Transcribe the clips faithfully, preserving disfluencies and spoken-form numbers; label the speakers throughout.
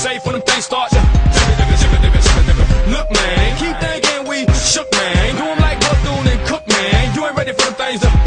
Speaker 1: safe when them things start to look, man. Keep thinking we shook, man. Do 'em like Bethune and Cook, man. You ain't ready for them things to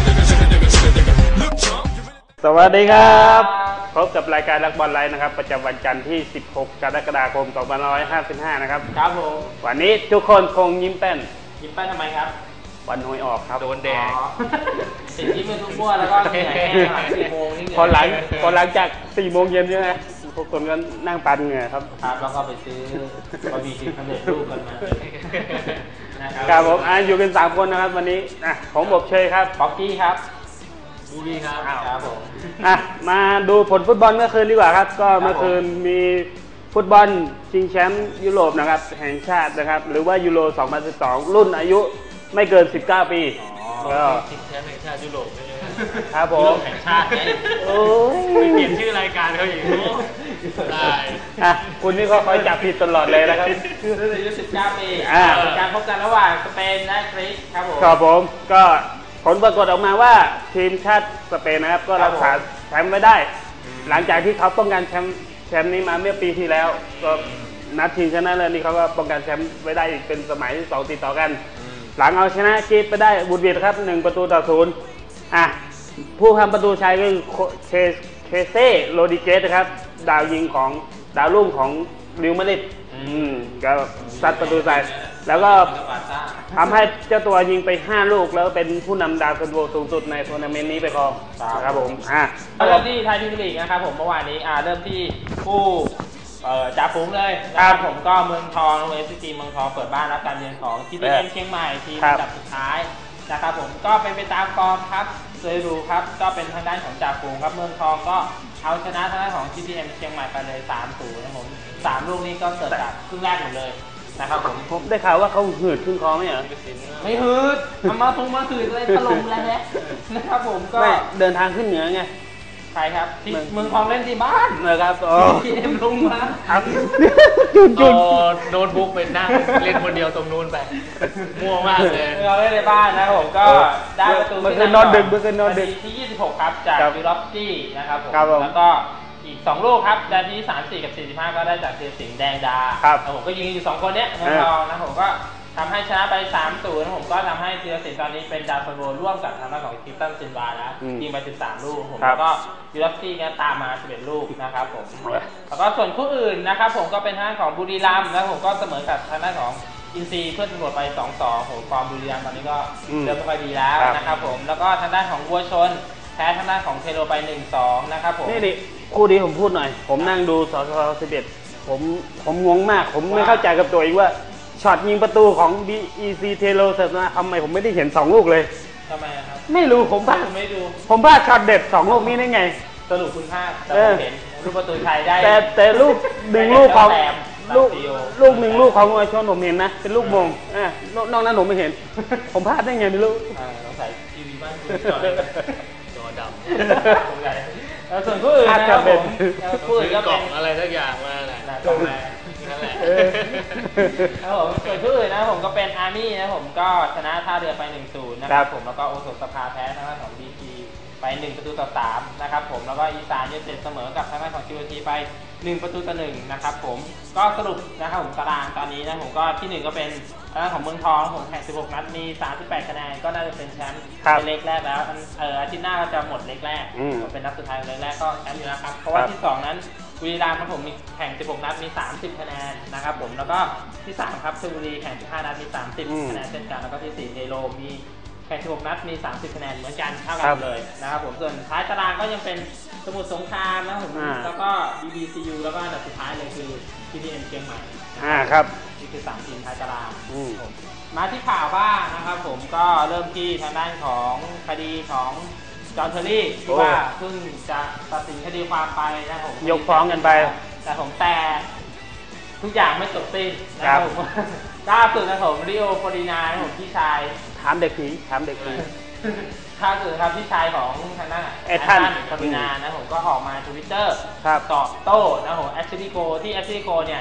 Speaker 1: look, chump.
Speaker 2: สวัสดีครับพบกับรายการรักบอลไลน์นะครับประจำวันจันทร์ที่สิบหกกรกฎาคมสองพันห้าร้อยห้าสิบห้านะครับ
Speaker 3: ครับผม
Speaker 2: วันนี้ทุกคนคงยิ้มแป้น
Speaker 3: ยิ้มแป้นทำไมครับ
Speaker 2: วันหวยออกครับ
Speaker 3: โดนแดงสิ่งที่เป็นทุกมั่วแล้วก็เหนื่อยแห้งหลังสี่โมงนี่เหนื่อย
Speaker 2: พอหลังพอหลังจากสี่โมงเย็นใช่ไหมพวกคนก็นั่งปั่นเหงื่อครับ
Speaker 3: ครับแล้วก็ไปซื้อบะหมี่กึ่งสำเร็จรูปกันมา
Speaker 2: ครับผมอ่าอยู่กันสามคนนะครับวันนี้อ่ะผมบอกเชยครับ
Speaker 3: ป๊อกกี้ครับ
Speaker 2: บูบี้ครับ
Speaker 3: ครับผม
Speaker 2: อ่ะมาดูผลฟุตบอลเมื่อคืนดีกว่าครับก็เมื่อคืนมีฟุตบอลชิงแชมป์ยุโรปนะครับแห่งชาตินะครับหรือว่ายูโรสองพันสิบสองรุ่นอายุไม่เกินสิบเก้าปี
Speaker 3: ก็ชิงแชมป์แห่งชาติยุโรป
Speaker 2: ครับผม
Speaker 3: แห่งชาติไง
Speaker 2: โอ้
Speaker 3: ยเปลี่ยนชื่อรายการเขาอีกได้
Speaker 2: อ่ะคุณนี่ก็คอยจับผิดตลอดเลยนะครับ
Speaker 3: รุ่นอายุสิบเก้าปีเป็นการพบกันระหว่างสเปนและกรีซครับผม
Speaker 2: ครับผมก็ผลปรากฏออกมาว่าทีมชาติสเปนนะครับก็รักษาแชมป์ไว้ได้หลังจากที่เขาป้องกันแชมป์แชมป์นี้มาเมื่อปีที่แล้วก็นัดชิงชนะเลิศนี่เขาก็ป้องกันแชมป์ไว้ได้อีกเป็นสมัยที่สองติดต่อกันหลังเอาชนะกรีซไปได้บุดหวิดครับหนึ่งประตูต่อศูนย์อ่ะผู้ทำประตูชัยก็คือเคเคเซ่โรดิเกสนะครับดาวยิงของดาวรุ่งของริวมาดริดก็ซัดประตูใส่แล้วก็ทำให้เจ้าตัวยิงไปห้าลูกแล้วเป็นผู้นำดาวซันโวสูงสุดในทัวร์นาเมนต์นี้ไปครองครับผมอ่ะ
Speaker 3: เริ่มที่ไทยพรีเมียร์ลีกนะครับผมเมื่อวานนี้อ่าเริ่มที่ผู้จ่าฝูงเลยนะครับผมก็เมืองทองเอฟซีเมืองทองเปิดบ้านรับการเยือนของทีดีเอ็มเชียงใหม่ทีมอันดับสุดท้ายนะครับผมก็เป็นไปตามฟอร์มครับโดยดูครับก็เป็นทางด้านของจ่าฝูงครับเมืองทองก็เอาชนะทางด้านของ ที ดี เอ็ม เชียงใหม่ไปเลย สามศูนย์ นะครับผมสามลูกนี้ก็เกิดจากครึ่งแรกหมดเลยนะครับผม
Speaker 2: ผมได้ข่าวว่าเขาหืดขึ้นคอไหมเหรอ
Speaker 3: ไม่หืดทำมาทงมาหืดเลยถล่มแล้วนะครับผมก็
Speaker 2: เดินทางขึ้นเหนือไง
Speaker 3: ใช่ครับที่เมืองทองเล่นที่บ้าน
Speaker 2: นะครับโอ้
Speaker 3: ทีเอ็มลงมา
Speaker 2: ครับจุนจุน
Speaker 3: โน้ตบุ๊กเป็นนั่งเล่นคนเดียวตรงนู้นไปมั่วมากเลยเราเล่นในบ้านนะผมก็ได้ประตู
Speaker 2: เมื่อคืนนอนดึกเมื่อคืนนอนดึก
Speaker 3: ที่ยี่สิบหกครับจากวิลล็อกซี่นะครับผมแล้วก็อีกสองลูกครับนาทีสามสิบสี่กับสี่สิบห้าก็ได้จากเทียสิงห์แดงดาครับผมก็ยิงอยู่สองคนเนี้ยเมืองทองนะผมก็ทำให้ชนะไป สามศูนย์ ผมก็ทำให้เทียสิงห์ตอนนี้เป็นดาวซันโวร่วมกับทางด้านของคริสตันซินวาแล้วยิงไปสิบสามลูกผมแล้วก็วิลล็อกซี่ก็ตามมาสิบเอ็ดลูกนะครับผมแล้วก็ส่วนคู่อื่นนะครับผมก็เป็นทางด้านของบุรีรัมย์แล้วผมก็เสมอกับทางด้านของอินซีเพื่อนตำรวจไป สองสอง ผมฟอร์มบุรีรัมย์ตอนนี้ก็เริ่มไม่ค่อยดีแล้วนะครับผมแล้วก็ทางด้านของวัวชนแพ้ทางด้านของเทโรไป หนึ่งสอง นะครับผม
Speaker 2: นี่ดิคู่นี้ผมพูดหน่อยผมนั่งดูสสสิบเอ็ดผมผมงงมากผมไม่เข้าใจกับตัวเองว่าช็อตยิงประตูของ บี อี ซี เทโรเสร็จนะทำไมผมไม่ได้เห็นสองลูกเลย
Speaker 3: ทำไมครับ
Speaker 2: ไม่รู้ผมพลาด
Speaker 3: ไม่ดู
Speaker 2: ผมพลาดช็อตเด็ดสองลูกนี้ได้ไง
Speaker 3: สรุปคุณพลาดแต่ผมเห็นลูกประตูไทยได้
Speaker 2: แต่แต่ลูกหนึ่งลูกของลูกลูกหนึ่งลูกของวัวชนผมเห็นนะเป็นลูกมงอ่านอกนั้นผมไม่เห็นผมพลาดได้ไงไม่รู้
Speaker 3: ต้องใส่ทีวีบ้านคุณจอจอดำแล้วส่วนคู่อื่นนะครับผมคู่อื่นก็เป็นอะไรสักอย่างมาแหละกล่องแรงนั่นแหละครับผมส่วนคู่อื่นนะผมก็เป็นอาร์มี่นะผมก็ชนะท่าเรือไป หนึ่งศูนย์ นะครับผมแล้วก็โอสถสภาแพ้ทางด้านของบีจีไปหนึ่งประตูต่อสามนะครับผมแล้วก็อีสานยูไนเต็ดเสมอกับทางด้านของจีโอทีไปหนึ่งประตูต่อหนึ่งนะครับผมก็สรุปนะครับผมตารางตอนนี้นะผมก็ที่หนึ่งก็เป็นทางด้านของเมืองทองผมแข่งสิบหกนัดมีสามสิบแปดคะแนนก็น่าจะเป็นแชมป์ในเล็กแรกแล้วเอออาทิตย์หน้าก็จะหมดเล็กแรกเป็นนัดสุดท้ายเล็กแรกก็แชมป์อยู่แล้วครับเพราะว่าที่สองนั้นบุรีรัมย์ครับผมมีแข่งสิบหกนัดมีสามสิบคะแนนนะครับผมแล้วก็ที่สามครับชลบุรีแข่งสิบห้านัดมีสามสิบคะแนนเช่นกันแล้วก็ที่สี่เทโรมีแข่งสิบหกนัดมีสามสิบคะแนนเหมือนกันเท่ากันเลยนะครับผมส่วนท้ายตารางก็ยังเป็นสมุทรสงครามนะผมแล้วก็ บี บี ซี ยู แล้วก็อันดับสุดท้ายเลยคือ ที ดี เอ็ม เชียงใหม่
Speaker 2: อ่าครับ
Speaker 3: นี่คือสามทีมท้ายตารางมาที่ข่าวบ้างนะครับผมก็เริ่มที่ทางด้านของคดีของจอห์นเทอร์รี่ที่ว่าเพิ่งจะตัดสินคดีความไปนะผม
Speaker 2: ยกฟ้องกันไป
Speaker 3: แต่ผมแต่ทุกอย่างไม่จบสิ้นนะครับผมล่าสุดนะผมริโอ ฟลอรินาผมพี่ชาย
Speaker 2: ถามเด็กผีถามเด็กผี
Speaker 3: ล่าสุดครับพี่ชายของทางด้าน
Speaker 2: แอตตัน
Speaker 3: ฟลอรินานะผมก็ออกมาทวิตเตอร์ตอบโต้นะผมแอชลีย์โกที่แอชลีย์โกเนี่ย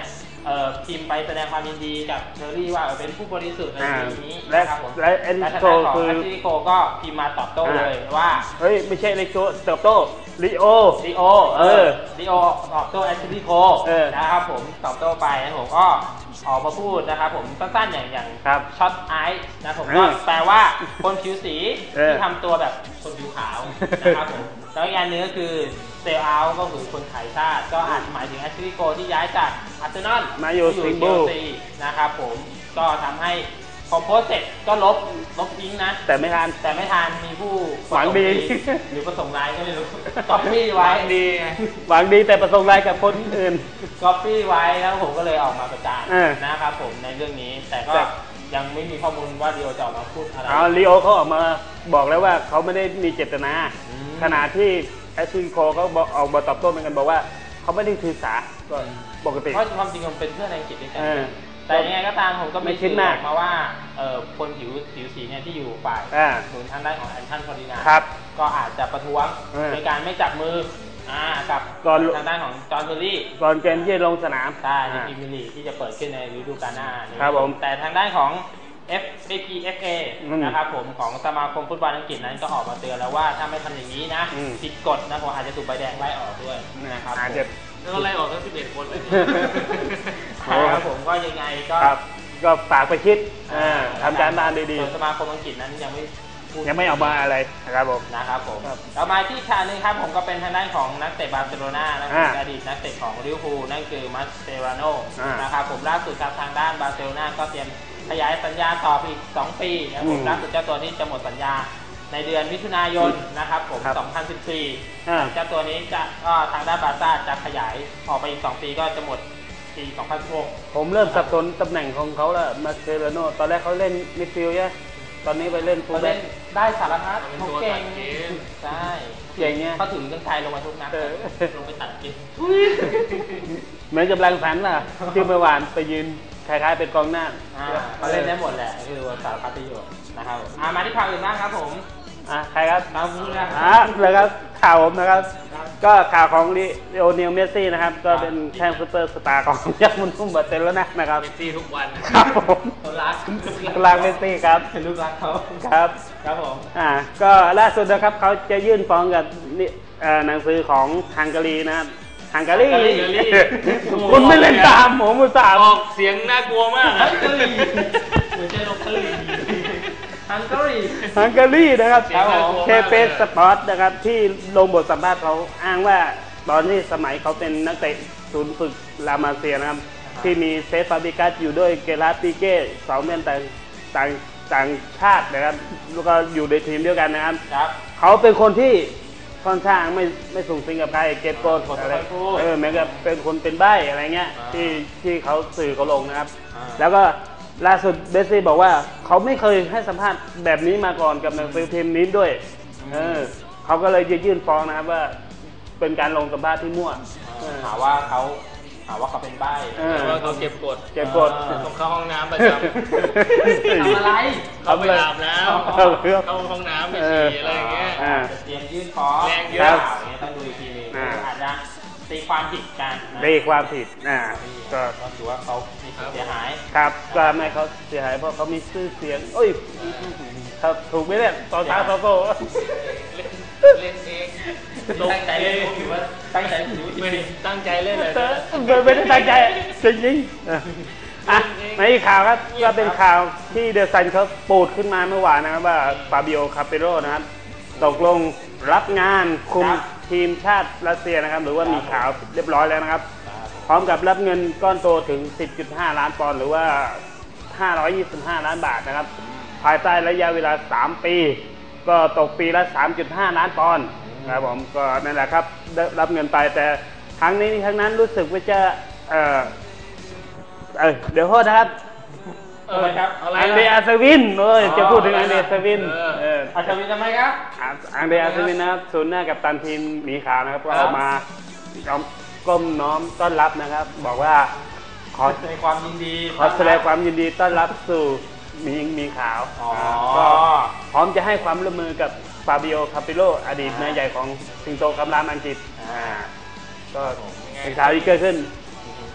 Speaker 3: เอ่อพิมพ์ไปแสดงความยินดีกับเชอรี่ว่าเออเป็นผู้บริสุทธิ์ใน
Speaker 2: อ่า
Speaker 3: ทีนี้
Speaker 2: และ
Speaker 3: นะครับผม
Speaker 2: และเอ็น
Speaker 3: และทาง
Speaker 2: โซ
Speaker 3: ด้านของ
Speaker 2: คือ
Speaker 3: แอชลีโคก็พิมพ์มาตอบโต้เลยว่า
Speaker 2: เฮ้ยไม่ใช่เล็กโตเติบโตลิโอ
Speaker 3: ดีโอ
Speaker 2: เออ
Speaker 3: ดีโอตอบโต้แอชลีโค
Speaker 2: เออ
Speaker 3: นะครับผมตอบโต้ไปนะผมก็ออกมาพูดนะครับผมสั้นๆอย่างอย่าง
Speaker 2: ครับ
Speaker 3: ช็อตไอซ์นะผม
Speaker 2: เอ
Speaker 3: ก็
Speaker 2: อ
Speaker 3: แปลว่าคนผิวสี
Speaker 2: เออ
Speaker 3: ที่ทำตัวแบบคนผิวขาวนะครับผมแล้วอีกอันหนึงก็คือเซลเอาก็คือคนขายชาติก็อาจหมายถึงแอชลีโคที่ย้ายจากอาร์เซนอล
Speaker 2: มาอยู่สิงห์บู
Speaker 3: เชลซีนะครับผมก็ทำให้พอโพสต์เสร็จก็ลบลบทิ้งนะ
Speaker 2: แต่ไม่ทัน
Speaker 3: แต่ไม่ทันมีผู้
Speaker 2: หวังดี
Speaker 3: หรือประสงค์ร้ายก็ไม่รู้ก๊อปปี้ไว้ดี
Speaker 2: หวังดีแต่ประสงค์ร้ายกับคนอื่น
Speaker 3: ก๊อปปี้ไว้แล้วผมก็เลยออกมาประจาน
Speaker 2: เออ
Speaker 3: นะครับผมในเรื่องนี้ แต่ก็
Speaker 2: แต่
Speaker 3: ยังไม่มีข้อมูลว่าดีโอจะออกมาพูดอะไร
Speaker 2: เอาลีโอเขาออกมาบอกแล้วว่าเขาไม่ได้มีเจตนา
Speaker 3: อืม
Speaker 2: ขณะที่แอชลีโคเขาบอกออกมาตอบโต้เหมือนกันบอกว่าเขาไม่ได้ถือสาก็ปกติ
Speaker 3: เพราะความจริงมันเป็นเพื่อนในอังกฤษด้วยกัน
Speaker 2: เออ
Speaker 3: แต่ยังไงก็ตามผมก็
Speaker 2: ไม่
Speaker 3: มี
Speaker 2: คิด
Speaker 3: สื่อ
Speaker 2: มา
Speaker 3: อก อกมาว่าเอ่อคนผิวผิวสีเนี่ยที่อยู่ฝ่าย
Speaker 2: อ่า
Speaker 3: ศูนย์ทางด้านของแอนทันฟอร์ดินา
Speaker 2: ครับ
Speaker 3: ก็อาจจะประท้วง
Speaker 2: เออ
Speaker 3: โดยการไม่จับมืออ่ากับ
Speaker 2: ก่อน
Speaker 3: ทางด้านของจอห์นเทอร์รี่
Speaker 2: ก่อนเกมที่จะลงสนาม
Speaker 3: ใช่ใน
Speaker 2: อ่า
Speaker 3: พรีเมียร์ลีกที่จะเปิดขึ้นในฤดูกาลหน้านี้
Speaker 2: ครับผม
Speaker 3: แต่ทางด้านของ F เอ พี เอฟ เอ
Speaker 2: อืม
Speaker 3: นะครับผมของสมาคมฟุตบอลอังกฤษนั้นก็ออกมาเตือนแล้วว่าถ้าไม่ทำอย่างนี้นะ
Speaker 2: อืม
Speaker 3: ผิดกฎนะผมอาจจะถูกใบแดงไล่ออกด้วยนะครับ
Speaker 2: อาจจะ
Speaker 3: แล้วไล่ออกทั้งสิบเอ็ดคนเลยครับผมก็ยังไงก็
Speaker 2: ครับก็ฝากไปคิดอ่าทำการบ้านดี
Speaker 3: ส่วนสมาคมอังกฤษนั้นยังไม่พูด
Speaker 2: ๆ ยังไม่ออกมาอะไรนะครับผม
Speaker 3: นะครับผม
Speaker 2: ครับ
Speaker 3: เรามาที่ชาหนึ่งครับผมก็เป็นทางด้านของนักเตะบาร์เซโลนานะค
Speaker 2: อ่า
Speaker 3: รับอดีตนักเตะของลิเวอร์พูลนั่นคือมัสเตราโน
Speaker 2: อ่าน
Speaker 3: นะครับผมล่าสุดครับทางด้านบาร์เซโลนาก็เตรียมขยายสัญญาต่อไปอีกสองปีนะครับผมล่าสุดเจ้าตัวนี้จะหมดสัญญาในเดือนมิถุนายนนะครับผม
Speaker 2: ครับ
Speaker 3: สองพันสิบสี่
Speaker 2: อ่า
Speaker 3: เจ้าตัวนี้จะก็ทางด้านบาร์ซ่าจะขยายออกไปอีกสองปีก็จะหมดปีสองพันสิบหก
Speaker 2: ผมเริ่มสับสนตำแหน่งของเขาแล้วมาเซเรโนตอนแรกเขาเล่นมิดฟิลด์ใช่ไหมตอนนี้ไปเล่นฟูล
Speaker 3: เขา
Speaker 2: แบ็
Speaker 3: เล่
Speaker 2: ค
Speaker 3: นได้สารพัด
Speaker 4: เป็น
Speaker 3: เขา
Speaker 4: ตัว
Speaker 3: เก่
Speaker 4: ตั
Speaker 3: ง
Speaker 4: ดเกม
Speaker 3: ใช่
Speaker 2: เก่งเนี่ย
Speaker 3: เขาถือกันไกลลงมาทุกนัด
Speaker 2: เออ
Speaker 3: ลงไปตัดกิน
Speaker 2: เหมือนกับแรงสันล่ะที่เมื่อวานไปยืนคล้ายๆเป็นกองหน้า
Speaker 3: อ่าเขาเล่นได้หมดแหละคือสารพัดประโยชน์นะครับผมอ่ามาที่ข่าวอื่นบ้างครับผม
Speaker 2: อ่ะใครครับ
Speaker 3: เราพูดนะ
Speaker 2: อ่ะเลยครับข่าวผมนะครับ ก็ข่าวของลิโอเนลเมสซี่นะครับ ก็เป็นแข้งซูเปอร์สตาร์ของยักษ์มุนทุ่มบาร์เซโลนานะครับ
Speaker 4: เมสซี่ทุกวัน
Speaker 2: ครับผม
Speaker 3: เขารัก
Speaker 2: ลางเมสซี่ครับ
Speaker 3: เป็นลูกรักเขา
Speaker 2: ครับ
Speaker 3: ครับผม
Speaker 2: อ่าก็ล่าสุดนะครับเขาจะยื่นฟ้องกับนี่เอ่อหนังสือของฮังการีนะครับฮังการี
Speaker 3: ฮังการี
Speaker 2: คุณไม่เล่นตามผมอุตส่าห์
Speaker 4: ออกเสียงน่ากลัวมาก
Speaker 3: ฮั
Speaker 4: อะ
Speaker 3: งการีเหมือนเจนกกะลีฮังการี
Speaker 2: ฮังการีนะครับ
Speaker 3: ครับผม
Speaker 2: เคเปสปอร์ตนะครับที่ลงบทสัมภาษณ์เขาอ้างว่าตอนที่สมัยเขาเป็นนักเตะศูนย์ฝึกลามาเซียนะครับ ที่มีเซฟฟาบิกัสอยู่ด้วยเกราติเก้สองเม่นต่างต่างต่างชาตินะครับแล้วก็อยู่ในทีมเดียวกันนะครับ
Speaker 3: ครับ
Speaker 2: เขาเป็นคนที่ค่อนข้างไม่ไม่สูงสิงกับใครเก็บกด
Speaker 3: คนไม่
Speaker 2: อะไร
Speaker 3: ค่อยพูด
Speaker 2: เออเหมือนกับเป็นคนเป็นใบ้อะไรเงี้ย
Speaker 3: อ่า
Speaker 2: ที่ที่เขาสื่อเขาลงนะครับ
Speaker 3: อ่า
Speaker 2: แล้วก็ล่าสุดเบสซี่บอกว่าเขาไม่เคยให้สัมภาษณ์แบบนี้มาก่อนกับหนังสือพิมพ์นี้ด้วยเออเขาก็เลยจะยื่นฟ้องนะครับว่าเป็นการลงสัมภาษณ์ที่มั่วเออ
Speaker 3: หาว่าเขาหาว่าเขาเป็นใบ้
Speaker 2: เออ
Speaker 4: แต่ว่าเขาเก็บกด
Speaker 2: เก็บกด
Speaker 3: เออ
Speaker 4: ต้องเข้าห้องน้ำประจำ
Speaker 3: ทำอะไร
Speaker 4: เขาไปอาบน้
Speaker 2: เอา
Speaker 4: ำ
Speaker 2: เรื่อง
Speaker 4: เข้าห้องน้ำไป
Speaker 2: เออ
Speaker 4: ฉี่อะไรอย่างเงี้ย
Speaker 2: อ่า
Speaker 3: เตรียมยื่นฟ้อง
Speaker 4: แรงเย
Speaker 3: ค
Speaker 4: อะ
Speaker 3: รับอย่างเงี้ยต้องดูอีกทีหนึง
Speaker 2: อ่า
Speaker 3: อาจจะตีความผิดกันนะ
Speaker 2: ได้ความผิดอ่าก็
Speaker 3: ก็ถือว่าเขามีความเสียหาย
Speaker 2: ครับก็ไม่เขาเสียหายเพราะเขามีชื่อเสียงโอ้ยครับถูกไหมเนี่ยตอนท้าโซโก้
Speaker 4: เล่นเอง
Speaker 3: ตั้งใจเล่นหรือว่าตั้งใจถือว่า
Speaker 4: ไม่ตั้งใจเล่นเลย
Speaker 2: ไม่ได้ตั้งใจจริงๆอ่ะอ่ะในอีกข่าวครับก็เป็นข่าวที่เดอะซันเขาปูดขึ้นมาเมื่อวานนะครับว่าฟาบิโอคาเปโรนะครับตกลงรับงานคุมทีมชาติรัสเซียนะครับ หรือว่ามีข่าวเรียบร้อยแล้วนะครับ พร้อมกับรับเงินก้อนโตถึง สิบจุดห้า ล้านปอนด์หรือว่า ห้าร้อยยี่สิบห้า ล้านบาทนะครับ ภายใต้ระยะเวลา สาม ปี ก็ตกปีละ สามจุดห้า ล้านปอนด์ครับผมก็นั่นแหละครับได้รับเงินไปแต่ครั้งนี้ทั้งนั้นรู้สึกว่าจะเออเออเดี๋ยวโทษนะครับ
Speaker 3: เออครับ
Speaker 4: อะไร
Speaker 2: อังเดรอาสวินเออจะพูดถึงอังเดรอาสวิน
Speaker 4: เออ
Speaker 2: เออ
Speaker 3: อาชวินทำไมครับ
Speaker 2: อ่ะอังเดรอาสวินนะครับศูนย์หน้ากับตันทีมหมีขาวนะครับก็
Speaker 3: ครั
Speaker 2: อบ อกมายอมก้มน้อมต้อนรับนะครับ บอกว่าขอ
Speaker 3: แสดงความยินดี
Speaker 2: ขอแสดงความยินดีต้อนรับสู่หมีหมีขาว
Speaker 3: อ๋อ
Speaker 2: ก็พร้อมจะให้ความร่วมมือกับฟาบิโอคาปิโลอดีตนายใหญ่ของสิงโตคำรามอังกฤษอ่าก็เป็นข่าวที่เกิดขึ้น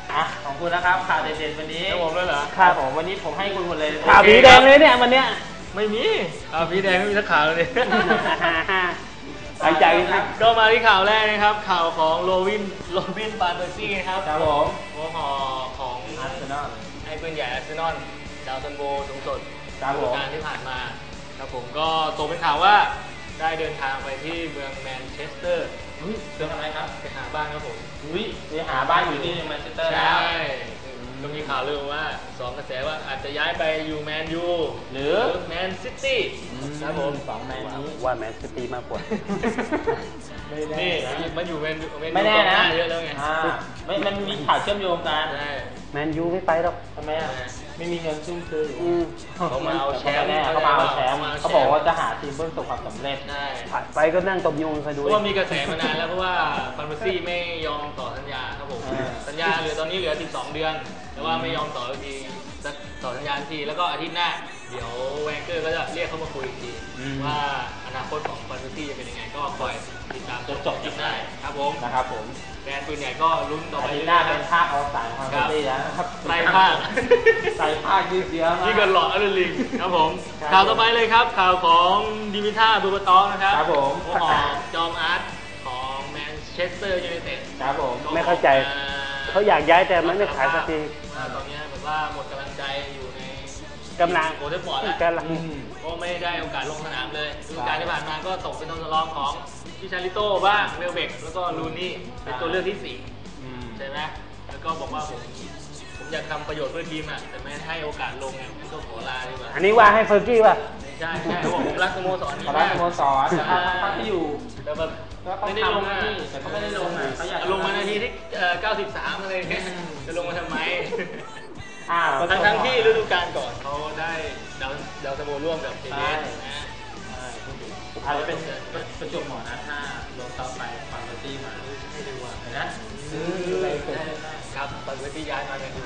Speaker 3: อ่ะของคุณนะครับข่าวเด่นๆวันนี้
Speaker 4: แล้วผมด้วยเหรอ
Speaker 3: ครับผมวันนี้ผมให้คุณหมดเลย
Speaker 2: ข่าวผีแดงเลยเนี่ยวันเนี้ย
Speaker 4: ไม่มีอ่าพี่แดงไม่มีสักข่าวเลย
Speaker 2: หายใจ
Speaker 4: ก็มาที่ข่าวแรกนะครับ ข่าวของโรบินโรบินปาเบอร์ซี่ครับ
Speaker 3: ครับผม
Speaker 4: หัวหอของ
Speaker 3: อาร์เซนอล
Speaker 4: ไอ้ปืนใหญ่อาร์เซนอลดาวซันโบสูงสุด
Speaker 3: ครับผม
Speaker 4: ฤดูกาลที่ผ่านมาครับผมก็ตกเป็นข่าวว่าได้เดินทางไปที่เมืองแมนเชสเตอร์
Speaker 3: อุ้ยเรื่องอะไรครับ
Speaker 4: ไปหาบ้านครับผม
Speaker 3: อุ้ยไปหาบ้านอยู่ที่แมนเชสเตอร์แล้ว
Speaker 4: ใช่ก็มีข่าวลือว่าสองกระแสว่าอาจจะย้ายไปอยู่แมนยู
Speaker 3: หรือ
Speaker 4: แมนซิตี้ครับผม
Speaker 3: สองแมนนี้
Speaker 2: ว่าแมนซิตี้มากกว่า
Speaker 4: นี่มันอยู่แมนยูแมนยู
Speaker 3: ไม่แน่นะ
Speaker 4: กองหาเยอะแล้วไง
Speaker 3: อ่าไม่มันมีข่าวเชื่อมโยงกัน
Speaker 4: ใช่
Speaker 2: แมนยูไม่ไปหรอก
Speaker 3: ทำไมอ่ะไม่มีเงินซุ่มซื้อ
Speaker 2: อืม
Speaker 4: เขามาเอาแชมป์
Speaker 3: แน่เขามาเอาแชมป์เขาบอกว่าจะหาทีมเพื่อประสบความสำเร็จ
Speaker 4: ใช่
Speaker 2: ผ่านไปก็นั่งตบยุงคอยดู
Speaker 4: เพราะว่ามีกระแสมานานแล้วเพราะว่าฟันเบอร์ซี่ไม่ยอมต่อสัญญาครับผม
Speaker 3: อ่า
Speaker 4: สัญญาเหลือตอนนี้เหลือสิบสองเดือน แต่ว่าไม่ยอมต่อสักทีจะต่อสัญญาทีแล้วก็อาทิตย์หน้า เดี๋ยวแวนเกอร์ก็จะเรียกเขามาคุยอีกทีว่าอนาคตของฟันเบอร์ซี่จะเป็นยังไงก็คอยติดตามจนจบคลิปได้ครับผม
Speaker 3: นะครับผม
Speaker 4: แฟนปืนใหญ่ก็ลุ้นต่อ
Speaker 3: อา
Speaker 4: ไป
Speaker 3: ทิต
Speaker 4: เรื่
Speaker 3: ย์ห
Speaker 4: อ
Speaker 3: น้าย
Speaker 4: ๆค
Speaker 3: เป็
Speaker 4: รับ
Speaker 3: นภาคอวสานของคาร์ตี้แล้วนะครับ
Speaker 4: ไล่ภาค
Speaker 3: ไล่ภาคยืดเยื้อมาก
Speaker 4: นี่เกินหลอดอลลิงครับผม
Speaker 3: ครับ
Speaker 4: ข่าวต่อไปเลยครับ ข่าวของดิมิท่าบูบาตองนะครับ
Speaker 3: ครับผม
Speaker 4: หัวหอกจอมอาร์ตของแมนเชสเตอร์ยูไนเต็ด
Speaker 3: ครับผม
Speaker 2: ไม่เข้าใจเขาอยากย้ายแต่มันไม่ขายสักที
Speaker 4: อ่าตอนนี้แบบว่าหมดกำลังใจอยู่ใน
Speaker 2: กำลัง
Speaker 4: โอเทฟฟอร์ดแล้ว
Speaker 2: กำลัง
Speaker 3: อืม
Speaker 4: ก็ไม่ได้โอกาสลงสนามเลยฤดูกาลที่ผ่านมาก็ตกเป็นตัวสำรองของพิชาริโต้บ้างเวลเบกแล้วก็ลูนี่เป็นตัวเลือกที่สี่
Speaker 3: อืม
Speaker 4: ใช่ไหมแล้วก็บอกว่าผมผมอยากทำประโยชน์เพื่อทีมอ่ะแต่ไม่ให้โอกาสลงไงผมก็ขอลาดีกว่า
Speaker 2: อันนี้ว่าให้เฟอร์กี้ป่ะ
Speaker 4: ใช่ใช่เขาบอกผมรักสโมสรนี้
Speaker 3: เขาได้
Speaker 4: มาก
Speaker 3: สโมสรแต่เขาเขาที่อยู่
Speaker 4: แต่แบบ
Speaker 3: ก็เขา
Speaker 4: ไม่ได้ลง
Speaker 3: ทำหน้า
Speaker 4: อ่ะ
Speaker 3: ที่แต่เขาไม่ได้ลงอ่ะเขาอยาก
Speaker 4: ลงมานาทีที่เอ่อเก้าสิบสามอะไรอย่างเงี้ยจะลงมาทำไม
Speaker 3: อ่า
Speaker 4: ทั้งทั้งที่ฤดูกาลก่อนเขาได้ดาวดาวสโมร่วมกับเอเนะ
Speaker 3: อาจจะเป็นประจวบเหมาะนะถ้าลงต่อไปฟังเบอร์ตี้มา
Speaker 4: ไม่ได้ว่า
Speaker 3: เห็นนะซื้ออะไรเกิดขึ้นได้
Speaker 4: ครับตอนที่ย้ายมาเนี่ย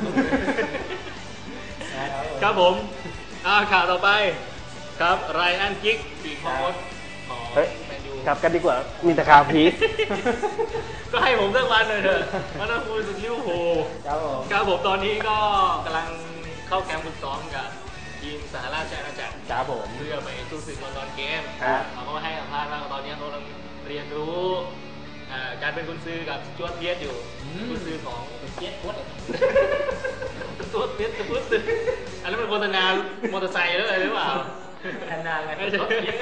Speaker 3: นะครับ
Speaker 4: ครับผมอ่าข่าวต่อไปครับไรอันกิกปีกของมดของ
Speaker 2: เฮ้ย
Speaker 4: แมนยู
Speaker 2: กลับกันดีกว่า มีแต่ข่าวผี
Speaker 4: ก็ให้ผมสักวันหน่อยเถอะมันต้องคุยถึงลิเวอร์พูล
Speaker 3: ครับผม
Speaker 4: ครับผมตอนนี้ก็กำลังเข้าแคมป์ฝึกซ้อมกับทีมสหราชอาณาจักร
Speaker 3: ครับผม
Speaker 4: เพื่อไปสู้ศึกลอนดอนเกม
Speaker 2: ครับ
Speaker 4: เขาก็ให้สัมภาษณ์ว่าตอนนี้เขากำลังเรียนรู้อ่าการเป็นกุนซือกับจวดเพียสอยู่กุนซือของ
Speaker 3: เจ็ดวัด
Speaker 4: จวดเพียสกุนซืออันนั้นเป็นโฆษณามอเตอร์ไซค์แล้วอะไรหรือเปล่า
Speaker 3: ขนาดไง
Speaker 4: ไม่ใช่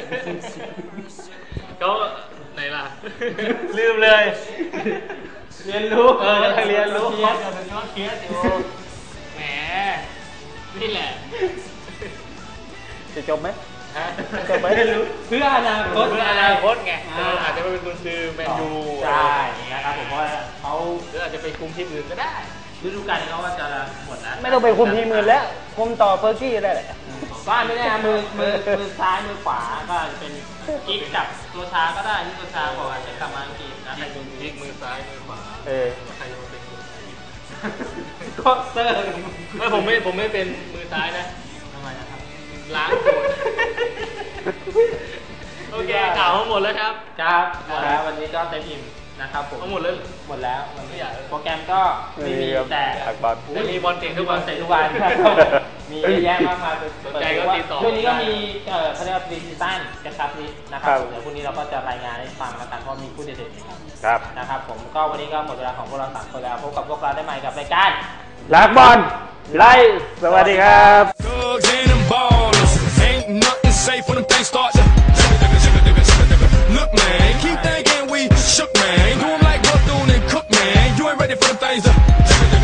Speaker 4: เขาไหนล่ะ ลืมเลย
Speaker 3: เรียนรู้
Speaker 4: เออกำลังเรียนรู้
Speaker 3: เพี
Speaker 4: ค
Speaker 3: ย
Speaker 4: อ
Speaker 3: ร
Speaker 4: ร์สกับจวดเพียสอยู่แหมนี่แหละ
Speaker 2: จะจบไหม
Speaker 4: ฮะ
Speaker 2: จะไป
Speaker 3: เรียนรู้เพื่ออนาคต
Speaker 4: เพื่ออนาคตไงเอออาจจะไม่เป็นกุนซือแมนยู
Speaker 3: ใช่นะครับผมว่าเขา
Speaker 4: หรืออาจจะไปคุมทีมอื่นก็ได้
Speaker 3: ฤดูกาลนี้เขาว่าจะหมดแล้ว
Speaker 2: ไม่ต้องไปคุมทีมมือแล้ว คุมต่อเฟอร์กี้ได้แหละ
Speaker 3: ก็ไม่แน่มือมือมือซ้ายมือขวาก็อาจจะเป็นกิ๊กกับตัวช้าก็ได้ที่ตัวช้าบอกว่าจะกลับมาอังกฤษนะใครดู
Speaker 4: พลิกมือซ้ายมือขวา
Speaker 2: เออ
Speaker 4: ใครจะมาเป็นมือซ้าย
Speaker 3: ก็เซอร์
Speaker 4: ไม่ผมไม่ผมไม่เป็นมือซ้ายนะ
Speaker 3: ทำไมนะครับ
Speaker 4: ล้างโคนโอเคข่าวทั้งหมดแล้วครับ
Speaker 3: ครับหมดแล้ววันนี้ก็เต็มอิ่มนะครับผม
Speaker 4: ทั้งหมดแล้ว
Speaker 3: หมดแล้ววัน
Speaker 4: ไม่
Speaker 3: นี้
Speaker 4: อยาก
Speaker 3: โปรแกรมก็ไม่มีแต่
Speaker 2: ตักบอล
Speaker 4: ได้มีบอลเตะทุกวัน
Speaker 3: เตะทุกวัน มีเยอะแยะมากมาย
Speaker 4: สนใจก็ติดต่อ
Speaker 3: ช่วงนี้ก็มีเอ่อเขาเรียกว่าพรีซีซั่นกระชับนิดนะค
Speaker 2: ครั
Speaker 3: รับบ เดี๋ยวพรุ่งนี้เราก็จะรายงานให้ฟังแล้วกันเพราะมีผู้เด่นๆนะครับ
Speaker 2: ครับ
Speaker 3: นะครับผมก็วันนี้ก็หมดเวลาของพวกเราสามคนแล้วพบกับพวกเราได้ใหม่กับรายการ
Speaker 2: ลักบอลไล่สวัสดีครับ
Speaker 1: Thugs and them ballers. Ain't nothing safe when them things start to. Look, man, keep thinking we shook, man. Do 'em like Bethune and Cook, man. You ain't ready for them things to.